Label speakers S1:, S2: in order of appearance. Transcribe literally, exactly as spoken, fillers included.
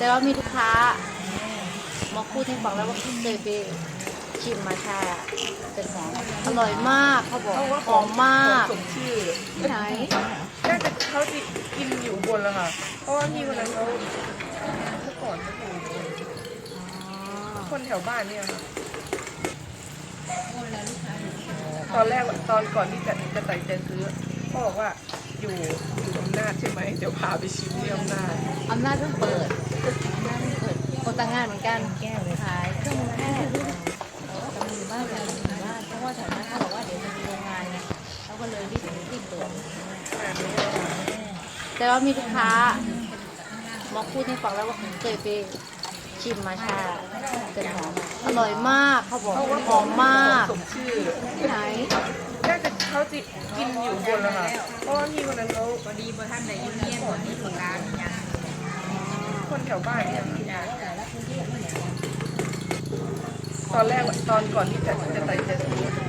S1: แต่ว่ามีลูกค้ามาพูดให้ฟังแล้วว่าเคยไปชิมมาชาเป็นหอมอร่อยมากเขาบอกหอมมาก
S2: สมชื่อ
S1: ที่ไหน
S2: น่าจะเขาจะกินอยู่บนแล้วค่ะเพราะว่าพี่คนนั้นเขาเมื่อก่อนเขาอยู่คนแถวบ้านเนี่ยค่ะตอนแรกตอนก่อนที่จะจะตัดใจซื้อเขาบอกว่าอยู่อยู่อำนาจใช่ไหมเดี๋ยวพาไปชิมที่อำนาจ
S1: อำนาจเพิ่งเปิดอำนาจเพิ่งเปิดคนต่างงานเหมือนกันแก้วเลยขายเครื่องมือแพทย์แต่มือบ้านแต่มือบ้านเพราะว่าแถวนั้นเขาบอกว่าเดี๋ยวจะมีโรงงานไงเขาก็เลยรีบรีบเปิดแต่ว่ามีลูกค้ามาพูดให้ฟังแล้วว่าเคยไปชิมมาชาเป็นหอมอร่อยมากเขาบอกหอมมาก
S2: สมชื่อ
S1: ที่ไหน
S2: น่าจะเขาจะกินอยู่บนแล้วค่ะเพราะว่าพี่คนนั้นเขา
S3: พอดีพอท่านในยูเนียนคนที่ประการเนี่ย
S2: คนแถวบ้านเนี่ยตอนแรกตอนก่อนที่จะจะตัดใจซื้อ